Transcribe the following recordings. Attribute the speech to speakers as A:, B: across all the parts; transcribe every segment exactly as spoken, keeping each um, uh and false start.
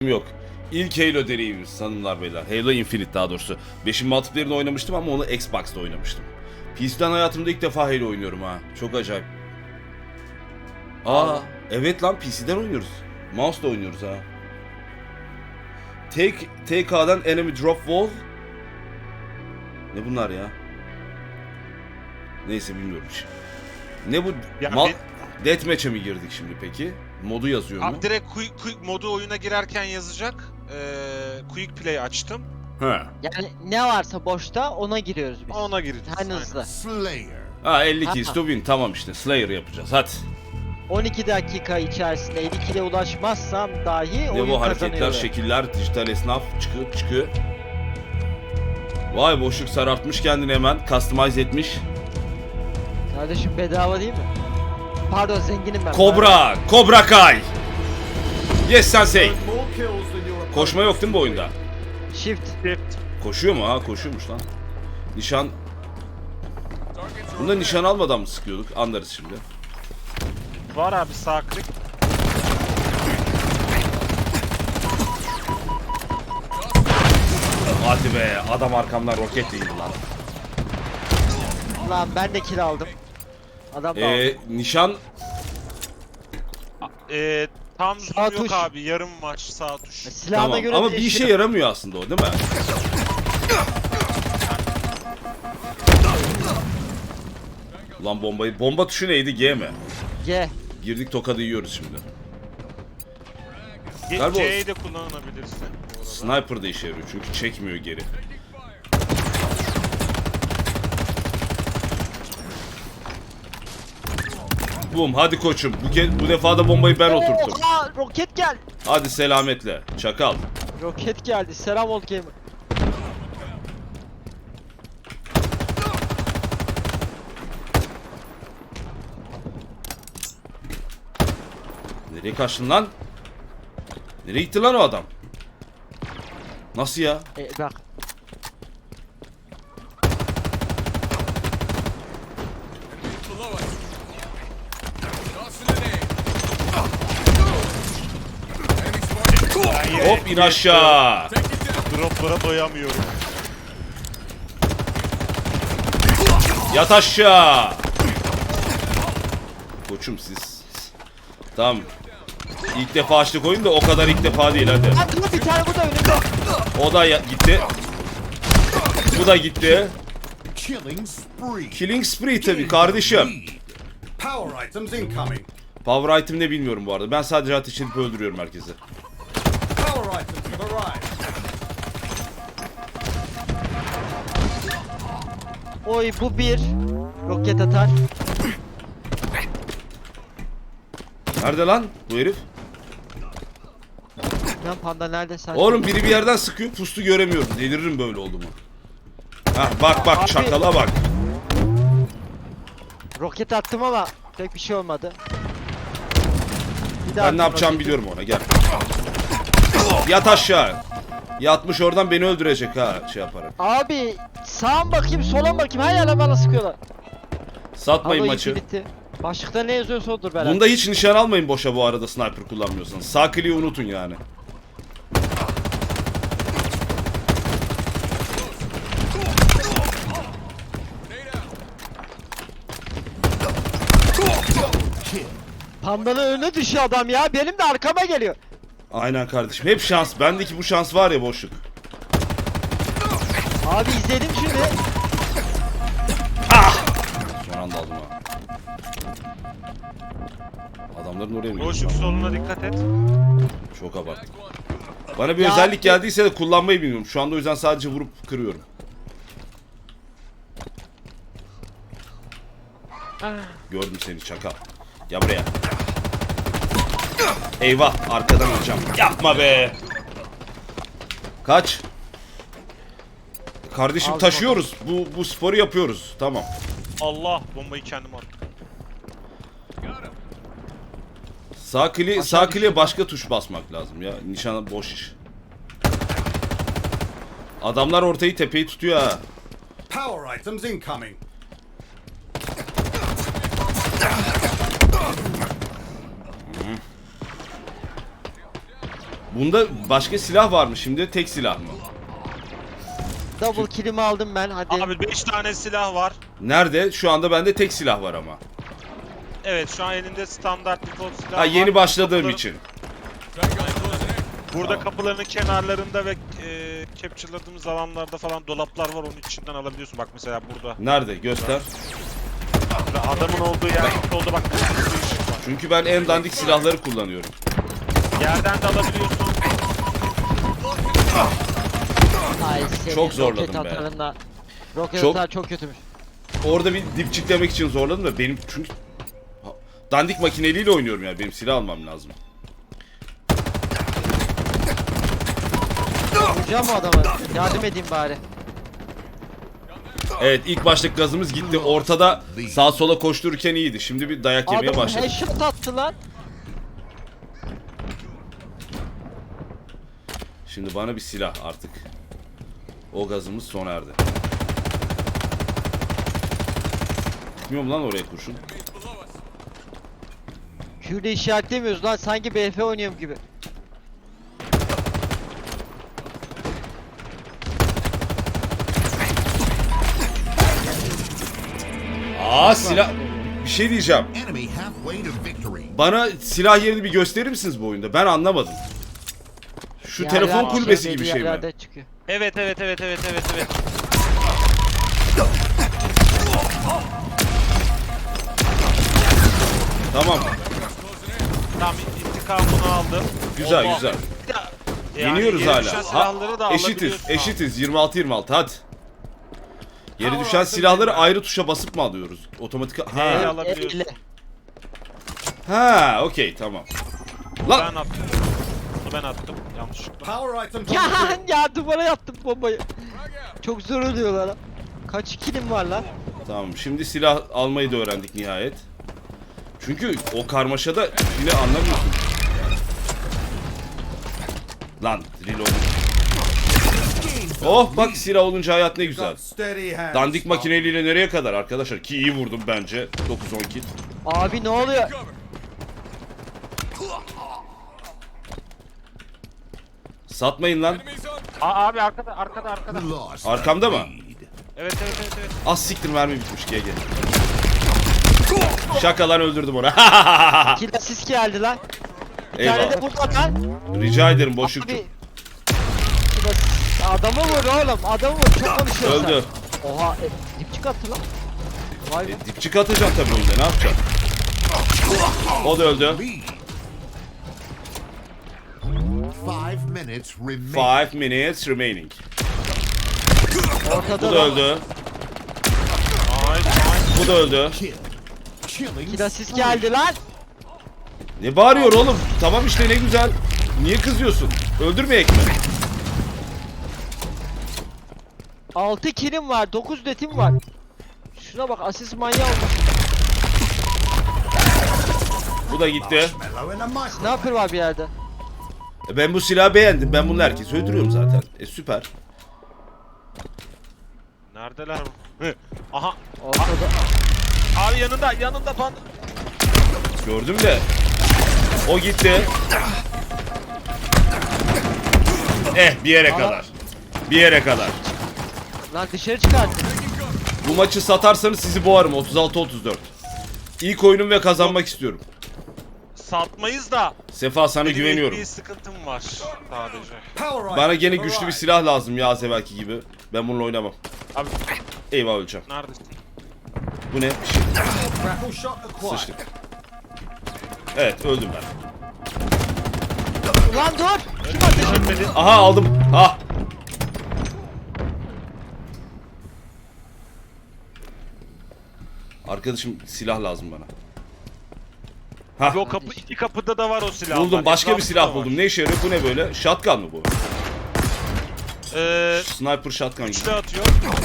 A: yok. İlk Halo deneyimimiz hanımlar beyler. Halo Infinite daha doğrusu. beşin multiplayer'ını oynamıştım ama onu Xbox'ta oynamıştım. P C'den hayatımda ilk defa Halo oynuyorum ha. Çok acayip. Aa, evet lan P C'den oynuyoruz. Mouse'la oynuyoruz ha. Take, T K'dan Enemy Drop Wall. Ne bunlar ya? Neyse bilmiyorum şimdi. Ne bu?
B: Ya
A: Mal...
B: ben-
A: Deathmatch'e mi girdik şimdi peki? Modu yazıyor mu?
B: Abi direkt quick, quick modu oyuna girerken yazacak. Ee, quick play açtım.
A: He.
C: Yani ne varsa boşta ona giriyoruz biz.
B: Ona gireceğiz.
C: En hızlı.
D: Slayer.
A: Ha elli kills
C: Aha.
A: to win, tamam işte Slayer yapacağız hadi.
C: on iki dakika içerisinde elli kile ulaşmazsam dahi
A: Ne
C: oyun
A: bu hareketler,
C: kazanıyorum.
A: şekiller, dijital esnaf çıkıyor çıkıyor. Vay boşluk sarartmış kendini hemen, customize etmiş.
C: Kardeşim bedava değil mi? Pardon zenginim ben.
A: Kobra, Kobra Kai. Yes sensei.
D: More kills than your
A: Koşma yok değil mi bu oyunda?
C: Pardon. Shift.
B: Shift.
A: Koşuyor mu? Ha koşuyormuş lan. Nişan... Bunda nişan almadan mı sıkıyorduk? Anlarız şimdi.
B: Var abi sağ klik.
A: Hadi be, adam arkamdan roket değildi lan.
C: Lan ben de kill aldım. Adam da aldı.
A: Ee, nişan...
B: Ee, tam
C: Sağ
B: zoom yok
C: tuş.
B: abi. Yarım maç sağ tuş.
C: Silahına
A: Tamam
C: göre
A: ama bir
C: değişiyor.
A: işe yaramıyor aslında o değil mi? Ulan bombayı... Bomba tuşu neydi? G mi?
C: G.
A: Girdik tokadı yiyoruz şimdi.
B: Ge-
A: Galiba o-
B: C'yi de kullanabilirsin. bu arada.
A: Sniper da işe yarıyor çünkü çekmiyor geri. Bum hadi koçum. Bu, ke- bu defa da bombayı ben oturttum.
C: Oha, roket geldi.
A: Hadi selametle. Çakal.
C: Roket geldi. Selam ol gamer.
A: Nereye kaçtın lan? Nereye gitti lan o adam? Nasıl ya?
C: E, bak.
B: Ben yine
A: Hop in aşağı.
B: Droplara doyamıyorum.
A: Yat aşağı. Koçum siz. Tamam. İlk defa açtık oyun da o kadar ilk defa değil hadi.
C: Lan dur bir tane burada önümde.
A: O da ya- gitti. Bu da gitti.
D: killing spree.
A: Killing spree tabii kardeşim.
D: Power items incoming.
A: Power item ne bilmiyorum bu arada. Ben sadece ateş edip öldürüyorum herkesi.
D: Power items have arrived.
C: Oy bu bir. Roket atar.
A: Nerede lan bu herif?
C: Lan panda nerede sen?
A: Oğlum biri bir yerden sıkıyor, pustu göremiyorum. Deliririm böyle oldu mu? Hah bak bak
C: Abi-
A: çakala bak.
C: Roket attım ama pek bir şey olmadı. Bir daha
A: Ben ne
C: attım
A: yapacağımı
C: roketi.
A: biliyorum ona gel. Yat aşağı. Yatmış oradan beni öldürecek ha şey yaparak.
C: Abi sağa mı bakayım sola mı bakayım her yerden bana sıkıyorlar.
A: Satmayın
C: Halo
A: maçı.
C: Infinity. Başlıkta ne yazıyorsa odur beraber.
A: Bunda hiç nişan almayın boşa bu arada sniper kullanmıyorsanız. Sağ kliği unutun yani.
C: Pandanın önüne düşüyor adam ya. Benim de arkama geliyor.
A: Aynen kardeşim. Hep şans. Bendeki bu şans var ya boşluk.
C: Abi izledim şimdi.
A: Son anda aldım ha. Adamların oraya mı gidiyor?
B: Boşluk soluna dikkat et.
A: Çok abarttım. Bana bir
C: Ya-
A: özellik geldiyse de kullanmayı bilmiyorum. Şu anda o yüzden sadece vurup kırıyorum. Gördüm seni çakal. Gel buraya. Eyvah arkadan alacağım. Yapma be. Kaç. Kardeşim
C: Al
A: taşıyoruz. Bu bu sporu yapıyoruz. Tamam.
B: Allah bombayı kendim attım.
A: Sağ kli
C: Aşağı
A: sağ
C: düştü.
A: kliye başka tuş basmak lazım ya. Nişana boş iş. Adamlar ortayı tepeyi tutuyor ha.
D: Power items incoming.
A: Bunda başka silah var mı şimdi? Tek silah mı?
C: Double kill'imi aldım ben hadi.
B: Abi beş tane silah var.
A: Nerede? Şu anda bende tek silah var ama.
B: Evet şu an elinde standart default silah
A: Ha
B: var.
A: yeni başladığım
B: Kapıların-
A: için.
B: Burada
A: Tamam.
B: kapıların kenarlarında ve e, capture'ladığımız alanlarda falan dolaplar var, onun içinden alabiliyorsun. Bak mesela burada.
A: Nerede? Göster.
B: Burada adamın olduğu yer oldu bak. Bir sürü ışık var.
A: Çünkü ben en dandik silahları kullanıyorum.
B: Yerden de alabiliyorsun.
C: Ay senin
A: Çok zorladım
C: roket
A: be.
C: atarında. Roket
A: Çok-
C: atar çok kötümüş.
A: Orada bir dipçiklemek için zorladım da benim çünkü Ha, dandik makineliyle oynuyorum ya. Benim silah almam lazım.
C: Vuracağım o adamı. Yardım edeyim bari.
A: Evet ilk baştaki gazımız gitti. Ortada sağa sola koştururken iyiydi. Şimdi bir dayak yemeye
C: Adam
A: başladı.
C: headshot attı lan.
A: Şimdi bana bir silah artık. O gazımız sona erdi. Gitmiyor mu lan oraya kurşun?
C: Q'de işaretlemiyoruz lan, sanki B F oynuyorum gibi.
A: Aa silah... Bir şey diyeceğim.
D: Enemy halfway to victory.
A: Bana silah yerini bir gösterir misiniz bu oyunda? Ben anlamadım. Şu
C: Yerler
A: telefon
C: çıkıyor,
A: kulübesi
C: belli
A: gibi şey mi?
C: yerlerde çıkıyor.
B: Evet evet evet evet evet evet.
A: Tamam.
B: Tamam intikamını aldım.
A: Güzel
B: Allah.
A: güzel.
B: Yani
A: Yeniyoruz
B: yere düşen
A: hala.
B: silahları da
A: Ha, eşitiz.
B: alabiliyorsun abi.
A: Eşitiz. yirmi altı yirmi altı hadi. Yere düşen silahları ayrı tuşa basıp mı alıyoruz? Otomatik...
B: Neyle
A: Ha,
B: alabiliyorsun?
C: Elle.
A: ha okey tamam.
B: Ben
A: Lan
B: attım. Bunu ben attım yanlışlıkla.
D: Power items on
C: Ya
D: the field.
C: ya duvara yattım bombayı. Çok zor oluyorlar lan. Kaç kilim var lan?
A: tamam şimdi silah almayı da öğrendik nihayet. Çünkü o karmaşada yine anlamıyorsun. Lan reload. Oh bak silah olunca hayat ne güzel.
D: Got steady hands.
A: Dandik makineliyle nereye kadar arkadaşlar? Ki iyi vurdum bence. dokuz on kill.
C: Abi ne oluyor?
A: Satmayın lan.
B: Aa, abi arkada arkada arkada.
D: We lost.
A: Arkamda mı?
B: Evet evet evet evet.
A: Az siktir mermi bitmiş G G. Şaka lan öldürdüm onu.
C: Kill assist geldi lan. Bir tane
A: Eyvallah.
C: de burada lan.
A: Rica ederim boşlukçu.
C: Abi. Kill assist. Adamı vur oğlum. Adamı vur. Çok konuşuyorsun.
A: Öldü.
C: Oha. E, dipçik attı lan. Vay be.
A: E, dipçik atacaksın tabii oyunda ne yapacaksın? O da öldü.
D: Lead. Five minutes remain.
A: five minutes remaining.
C: Ortada
A: Bu da öldü.
B: Nice nice.
A: Bu da öldü.
D: Kill. Killing.
C: Kill assist geldi lan.
A: Ne bağırıyor oğlum? Tamam işte ne güzel. Niye kızıyorsun? Öldürmeyek mi?
C: altı killim var. dokuz detim var. Şuna bak, asist manyağı olmuş.
A: Bu da gitti.
D: Mellow in a micro.
C: Sniper var bir yerde.
A: E, Ben bu silahı beğendim. Ben bunu herkese öldürüyorum zaten. E süper.
B: Neredeler? Hı. Aha.
C: Ortada.
B: Abi yanında yanında pan.
A: Gördüm de. O gitti. Eh bir yere kadar. Bir yere kadar.
C: Lan dışarı çıkarttın.
A: Bu maçı satarsanız sizi boğarım. otuz altı otuz dört. İlk oyunum ve kazanmak istiyorum.
B: Satmayız da.
A: Sefa sana
B: Benim
A: güveniyorum.
B: bir sıkıntım var sadece.
D: Power
A: Bana
D: items
A: gene
D: have
A: güçlü bir
D: arrived.
A: silah lazım ya az evvelki gibi. Ben bununla oynamam.
B: Abi
A: Eyvah öleceğim.
B: neredesin?
A: Bu ne? Bir şey.
D: Grapple shot acquired.
A: Sıçtık. Evet öldüm ben.
C: Ulan dur. Kim ateş etti?
A: Aha aldım. Ha. Arkadaşım silah lazım bana.
B: Abi
A: Ha.
B: o kapı iki kapıda da var o silah.
A: Buldum. Başka bir silah buldum. Ne işe yarıyor? Bu ne böyle? Shotgun mı bu?
B: Eee
A: Sniper shotgun gibi.
B: üçlü atıyor.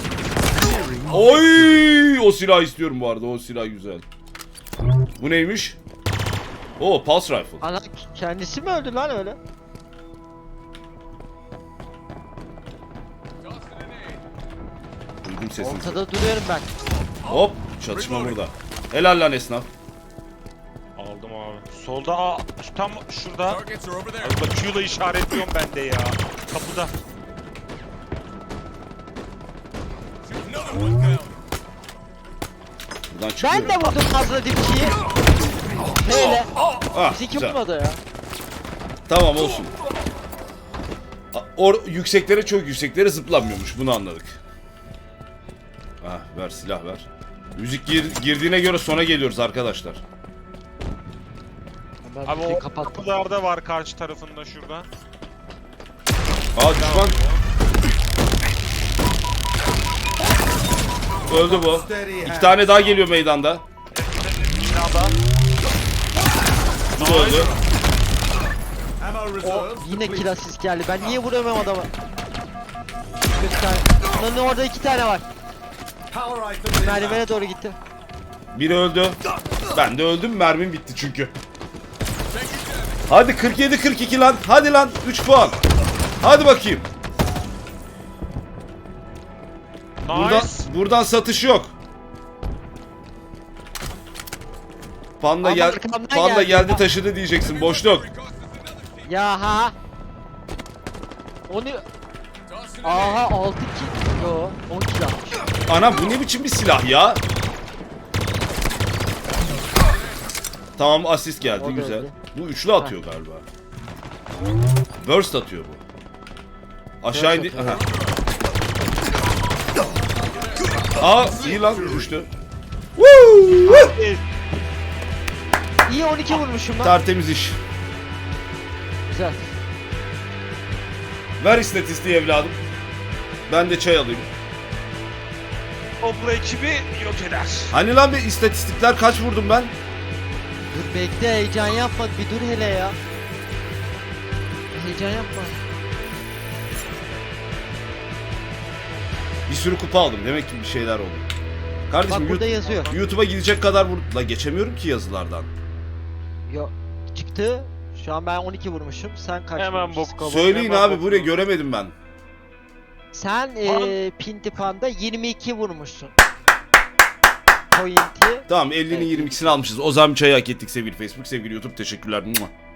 A: Oy! O silah istiyorum bu arada. O silah güzel. Bu neymiş? Oo, pulse rifle.
C: Ana kendisi mi öldü lan öyle?
A: Duydum sesini.
C: Ortada duruyorum ben.
A: Hop, çatışma burada. Helal lan esnaf.
B: Aldım abi. Solda aa şu tam şurada.
E: Targets are over there.
B: Abi bak Q'la işaretliyorum ben de ya. Kapıda.
E: Another one down.
A: Buradan çıkıyor.
C: Ben de vurdum fazla dipçiyi. Hele.
A: Ah,
C: Bizi kim
A: güzel.
C: vurmadı ya?
A: Tamam olsun. A- Or yükseklere çok yükseklere zıplanmıyormuş. Bunu anladık. Ah ver silah ver. Müzik gir- girdiğine göre sona geliyoruz arkadaşlar.
C: Ben
B: Abi
C: müziği
B: o
C: kapattım.
B: kapılarda var karşı tarafında şurada.
A: Aa düşman. Öldü bu. İki tane daha geliyor meydanda.
B: Binada.
A: Bu da öldü.
D: Ammo
C: O
D: reserves
C: yine
D: depleted.
C: kill assist geldi. Ben niye vuramıyorum adamı? Bir tane. Lan orada iki tane var.
D: Power item inbound.
C: Merdivene doğru gitti.
A: Biri öldü. Ben de öldüm. Mermim bitti çünkü. Hadi kırk yedi kırk iki lan. Hadi lan. üç puan. Hadi bakayım. Buradan,
B: Nice.
A: buradan satış yok. Panda
C: Ama
A: gel,
C: arkamdan
A: Panda
C: geldi.
A: geldi taşıdı diyeceksin. Boşluk.
C: Ya ha. Onu
E: Tossing it
C: aha altı kill. Yo on kill almış.
A: Ana bu ne biçim bir silah ya? Tamam asist geldi
C: O da
A: güzel.
C: öyle.
A: Bu üçlü atıyor galiba. Burst atıyor bu. Aşağı
C: Burst
A: indi.
C: atıyor.
A: Aha. Aa iyi lan düştü. Woo!
C: İyi on iki vurmuşum lan.
A: Tertemiz iş.
C: Güzel.
A: Ver istatistiği evladım. Ben de çay alayım.
B: Obla ekibi yok eder.
A: Hani lan bir istatistikler kaç vurdum ben?
C: Dur bekle heyecan yapma bir dur hele ya. Heyecan yapma.
A: Bir sürü kupa aldım. Demek ki bir şeyler oldu. Kardeşim
C: Bak burada
A: Yu-
C: yazıyor.
A: YouTube'a gidecek kadar vur... La geçemiyorum ki yazılardan.
C: Yo çıktı. Şu an ben on iki vurmuşum. Sen kaç
B: Hemen
C: vurmuşsun?
B: bok.
A: Söyleyin
B: Hemen
A: abi
B: bok-
A: buraya göremedim ben.
C: Sen
B: Lan.
C: eee Pinti Panda yirmi iki vurmuşsun. Pointi.
A: Tamam ellinin
C: Evet.
A: yirmi ikisini almışız. O zaman çayı hak ettik sevgili Facebook, sevgili YouTube. Teşekkürler. Mua.